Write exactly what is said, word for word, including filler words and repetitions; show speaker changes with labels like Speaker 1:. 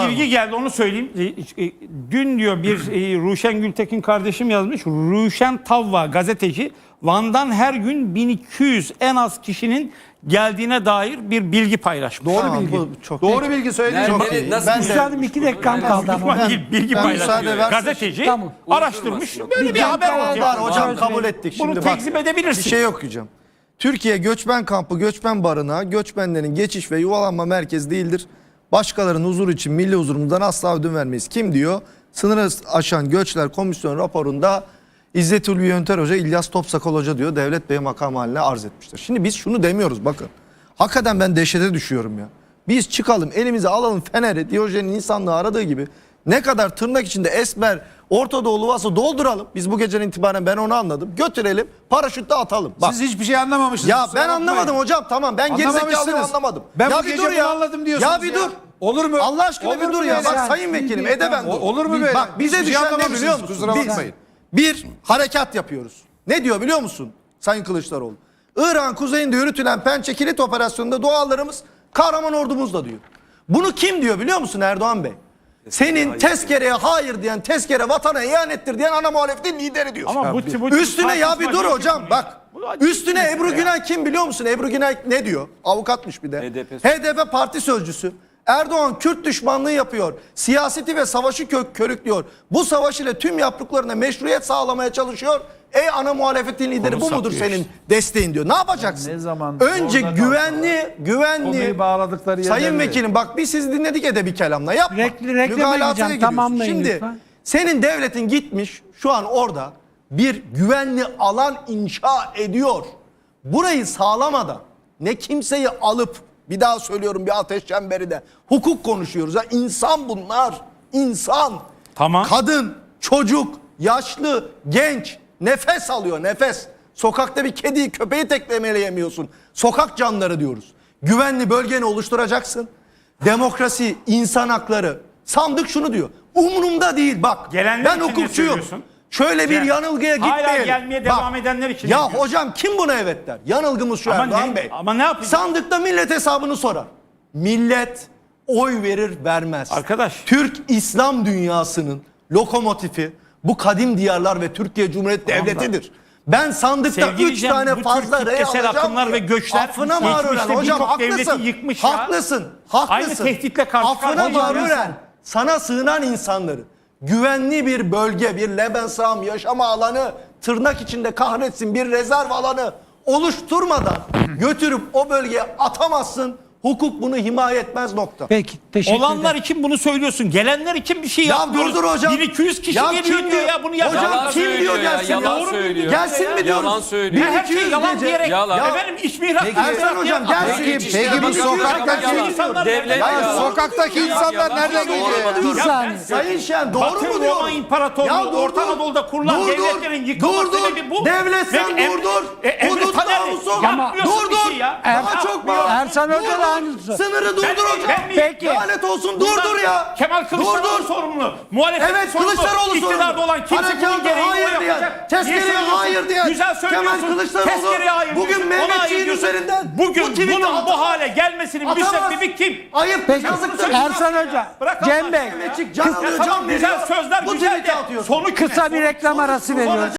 Speaker 1: bilgi geldi, onu söyleyeyim. E, e, Dün diyor bir e, Ruşen Gültekin kardeşim yazmış. Ruşen Tavva gazeteci Van'dan her gün bin iki yüz en az kişinin geldiğine dair bir bilgi paylaşmış.
Speaker 2: Doğru
Speaker 3: Tamam,
Speaker 2: bilgi.
Speaker 3: bu çok
Speaker 2: Doğru
Speaker 3: net.
Speaker 2: bilgi söyledi.
Speaker 4: Nerede,
Speaker 2: Çok iyi.
Speaker 4: nasıl
Speaker 2: Ben de
Speaker 3: Üstadım iki dakikam kaldı ama.
Speaker 1: Bilgi,
Speaker 3: Ben,
Speaker 1: değil, bilgi
Speaker 3: ben
Speaker 1: paylaşıyor.
Speaker 3: müsaade versen-
Speaker 1: Gazeteci
Speaker 3: Tamam.
Speaker 1: araştırmış.
Speaker 4: Uydurmasın.
Speaker 1: Böyle bir,
Speaker 3: Bir
Speaker 1: haber
Speaker 3: dakika
Speaker 1: ortaya
Speaker 3: var
Speaker 1: koymuş.
Speaker 3: hocam,
Speaker 2: hocam kabul ettik.
Speaker 1: Bunu
Speaker 2: Şimdi bak,
Speaker 1: tekzip edebilirsin.
Speaker 2: bir şey okuyacağım. Türkiye göçmen kampı, göçmen barınağı, göçmenlerin geçiş ve yuvalanma merkezi değildir. Başkalarının huzuru için milli huzurumuzdan asla ödün vermeyiz. Kim diyor? Sınırı aşan göçler komisyon raporunda İzzet Ulvi Yönter Hoca, İlyas Topsakal Hoca diyor, Devlet Bey makam haline arz etmiştir. Şimdi biz şunu demiyoruz bakın. Hakikaten ben dehşete düşüyorum ya. Biz çıkalım elimize alalım feneri, Diyojen'in insanlığı aradığı gibi ne kadar tırnak içinde esmer Orta Doğulu varsa dolduralım. Biz bu geceden itibaren ben onu anladım. Götürelim paraşütle atalım. Bak.
Speaker 5: Siz hiçbir şey anlamamışsınız.
Speaker 2: Ya
Speaker 5: kusura
Speaker 2: ben
Speaker 5: bakmayın.
Speaker 2: anlamadım hocam, tamam ben gerizekalıyım,
Speaker 5: Anlamamışsınız.
Speaker 2: anlamadım.
Speaker 5: Ben
Speaker 2: ya
Speaker 5: bu gece bunu anladım diyorsunuz
Speaker 2: Ya bir
Speaker 5: ya.
Speaker 2: dur.
Speaker 5: Olur mu?
Speaker 2: Allah aşkına
Speaker 5: Olur
Speaker 2: bir
Speaker 5: mu
Speaker 2: dur ya.
Speaker 5: böyle?
Speaker 2: Bak
Speaker 3: Yani
Speaker 2: sayın
Speaker 3: bir-
Speaker 2: vekilim
Speaker 3: bir-
Speaker 2: edeben
Speaker 5: O-
Speaker 2: dur.
Speaker 5: olur mu böyle?
Speaker 2: Bak bize
Speaker 5: Hiçbir şey
Speaker 2: düşen ne
Speaker 5: anlamamışsınız,
Speaker 2: biliyor musun?
Speaker 5: kusura
Speaker 2: Biz
Speaker 5: bakmayın.
Speaker 2: bir harekat yapıyoruz. Ne diyor biliyor musun Sayın Kılıçdaroğlu? İran kuzeyinde yürütülen Pençe Kilit Operasyonu'nda doğallarımız kahraman ordumuzla diyor. Bunu kim diyor biliyor musun Erdoğan Bey? Senin tezkereye hayır diyen, tezkere vatana ihanettir diyen ana muhalefetin lideri diyor.
Speaker 1: Ama bu, bu
Speaker 2: Üstüne ya bir dur
Speaker 1: tartışma
Speaker 2: hocam
Speaker 1: değil.
Speaker 2: bak.
Speaker 1: Bu acı
Speaker 2: Üstüne
Speaker 1: bir
Speaker 2: Ebru
Speaker 1: mesele ya.
Speaker 2: Günay kim biliyor musun? Ebru Günay ne diyor? Avukatmış bir de.
Speaker 4: H D P
Speaker 2: H D P parti sözcüsü. Erdoğan Kürt düşmanlığı yapıyor. Siyaseti ve savaşı kök körüklüyor. Bu savaş ile tüm yaptıklarına meşruiyet sağlamaya çalışıyor. Ey ana muhalefetin lideri, bu mudur senin desteğin diyor. Ne yapacaksın?
Speaker 5: Ne zaman
Speaker 2: Önce
Speaker 5: orada
Speaker 2: güvenli, güvenli.
Speaker 5: Konuyu bağladıkları yerlerde.
Speaker 2: Sayın vekilim bak biz sizi dinledik edebi kelamla. Yapma.
Speaker 3: Rekl- reklama
Speaker 2: Mügalataya
Speaker 3: gideceğim,
Speaker 2: giriyorsun.
Speaker 3: tamamlayın
Speaker 2: Şimdi
Speaker 3: lütfen.
Speaker 2: senin devletin gitmiş şu an orada bir güvenli alan inşa ediyor. Burayı sağlamadan ne kimseyi alıp, bir daha söylüyorum bir ateş çemberi de, hukuk konuşuyoruz. Ha, insan bunlar. İnsan.
Speaker 1: Tamam.
Speaker 2: Kadın, çocuk, yaşlı, genç nefes alıyor, nefes. Sokakta bir kediyi, köpeği tekmeleyemiyorsun. Sokak canları diyoruz. Güvenli bölgeni oluşturacaksın. Demokrasi, insan hakları. Sandık şunu diyor. Umurumda değil bak.
Speaker 1: Gelenler
Speaker 2: ben
Speaker 1: için ne
Speaker 2: hukukçuyum.
Speaker 1: söylüyorsun?
Speaker 2: Şöyle bir
Speaker 1: Yani
Speaker 2: yanılgıya
Speaker 1: hala
Speaker 2: gitmeyelim.
Speaker 1: gelmeye devam edenler için ne
Speaker 2: Ya
Speaker 1: diyorsun?
Speaker 2: hocam kim buna evet der? Yanılgımız şu
Speaker 1: Ama
Speaker 2: Erdoğan
Speaker 1: ne-
Speaker 2: Bey.
Speaker 1: ama ne yapacağız?
Speaker 2: Sandıkta millet hesabını sorar. Millet oy verir vermez.
Speaker 1: Arkadaş.
Speaker 2: Türk İslam dünyasının lokomotifi bu kadim diyarlar ve Türkiye Cumhuriyeti Devleti'dir. Ben sandıkta
Speaker 1: Sevgili
Speaker 2: üç
Speaker 1: Cem,
Speaker 2: tane
Speaker 1: bu
Speaker 2: fazla
Speaker 1: tür
Speaker 2: rey
Speaker 1: kitlesel
Speaker 2: alacağım
Speaker 1: akımlar
Speaker 2: diye
Speaker 1: ve göçler
Speaker 2: affına mağruren
Speaker 1: geçmişte
Speaker 2: hocam
Speaker 1: birçok devleti
Speaker 2: haklısın.
Speaker 1: yıkmış ya.
Speaker 2: Haklısın. Haklısın.
Speaker 1: Aynı tehditle karşı
Speaker 2: affına
Speaker 1: karşıyayız ya.
Speaker 2: mağruren sana sığınan insanları güvenli bir bölge, bir Lebensraum yaşama alanı, tırnak içinde kahretsin bir rezerv alanı oluşturmadan götürüp o bölgeye atamazsın. Hukuk bunu himaye etmez, nokta.
Speaker 3: Peki teşekkür
Speaker 1: Olanlar
Speaker 3: ederim.
Speaker 1: için bunu söylüyorsun. Gelenler için bir şey
Speaker 2: Ya
Speaker 1: yapmıyoruz.
Speaker 2: durdur hocam.
Speaker 1: bin iki yüz kişi
Speaker 2: Ya
Speaker 1: geliyor
Speaker 2: kim
Speaker 1: diyor ya. Bunu yapacak.
Speaker 2: Hocam
Speaker 4: Yalan
Speaker 2: kim
Speaker 4: söylüyor
Speaker 2: diyor
Speaker 4: ya,
Speaker 2: gelsin ya?
Speaker 4: yalan
Speaker 2: Doğru mu
Speaker 4: söylüyor.
Speaker 2: Gelsin mi diyoruz?
Speaker 4: Yalan söylüyor.
Speaker 1: Her şey
Speaker 2: bin iki yüz
Speaker 1: yalan
Speaker 2: gece-
Speaker 1: diyerek.
Speaker 4: Yalan.
Speaker 1: Efendim iş mihrak.
Speaker 2: Peki, Ersan hocam gelsin.
Speaker 5: Peki, peki bu sokaktaki-
Speaker 4: Devlet
Speaker 2: Ya
Speaker 4: yalan.
Speaker 5: sokaktaki insanlar
Speaker 4: Yalan.
Speaker 5: nereden
Speaker 4: Doğru
Speaker 5: geliyor?
Speaker 4: mu diyorum?
Speaker 3: Bir saniye.
Speaker 2: Sayın Şen doğru
Speaker 1: Batı
Speaker 2: mu
Speaker 1: Roma
Speaker 2: diyor?
Speaker 1: İmparatorluğu, Orta Anadolu'da kurulan devletlerin yıkılma
Speaker 2: dur, dur.
Speaker 1: sebebi bu.
Speaker 2: Devlet sen
Speaker 1: Ve em-
Speaker 2: durdur.
Speaker 1: e, Emre
Speaker 2: Hudut
Speaker 1: Taner'i
Speaker 2: namusu.
Speaker 1: yapmıyorsun
Speaker 2: Dur
Speaker 1: bir
Speaker 2: dur.
Speaker 1: şey ya.
Speaker 2: Daha
Speaker 1: Yapmıyor.
Speaker 2: çok bağır.
Speaker 3: Ersan Hoca
Speaker 2: Dur,
Speaker 3: da
Speaker 2: dur.
Speaker 3: aynısı.
Speaker 2: Sınırı
Speaker 1: Ben-
Speaker 2: durdur hocam.
Speaker 1: ben mi-
Speaker 3: Peki.
Speaker 2: Lanet olsun
Speaker 1: Bundan
Speaker 2: durdur ya.
Speaker 1: Kemal Kılıçdaroğlu
Speaker 2: Durdur.
Speaker 1: sorumlu. Muhalefet
Speaker 2: Evet
Speaker 1: sorumlu.
Speaker 2: Kılıçdaroğlu
Speaker 1: İktidarda
Speaker 2: sorumlu.
Speaker 1: olan kimse
Speaker 2: Harekata
Speaker 1: bunun gereğini
Speaker 2: hayır
Speaker 1: o
Speaker 2: diyen,
Speaker 1: yapacak.
Speaker 2: tezkereye
Speaker 1: Niye söylüyorsun?
Speaker 2: hayır diyen,
Speaker 1: Güzel söylüyorsun.
Speaker 2: Kemal Kılıçdaroğlu
Speaker 1: Tezkereye hayır
Speaker 2: bugün
Speaker 1: diyorsun. Ona
Speaker 2: Mehmetçiğin
Speaker 1: hayır diyorsun.
Speaker 2: üzerinden
Speaker 1: Bugün
Speaker 2: bu tweet'i
Speaker 1: bunun bu
Speaker 2: atamaz.
Speaker 1: hale gelmesinin
Speaker 2: Atamaz.
Speaker 1: müsebbibi kim?
Speaker 2: Ayıp.
Speaker 3: Peki
Speaker 2: yazıktır.
Speaker 3: Ersan Hoca,
Speaker 1: Bırak
Speaker 3: Cem
Speaker 1: Allah
Speaker 3: Bey
Speaker 1: aşkına ya.
Speaker 2: Mehmetçik can alıyor,
Speaker 1: Tamam,
Speaker 2: can
Speaker 1: güzel
Speaker 2: veriyor.
Speaker 1: sözler
Speaker 2: Bu
Speaker 1: güzel
Speaker 2: tweet'i
Speaker 1: de
Speaker 2: atıyorsun.
Speaker 1: sonu
Speaker 3: kısa bir reklam arası veriyoruz.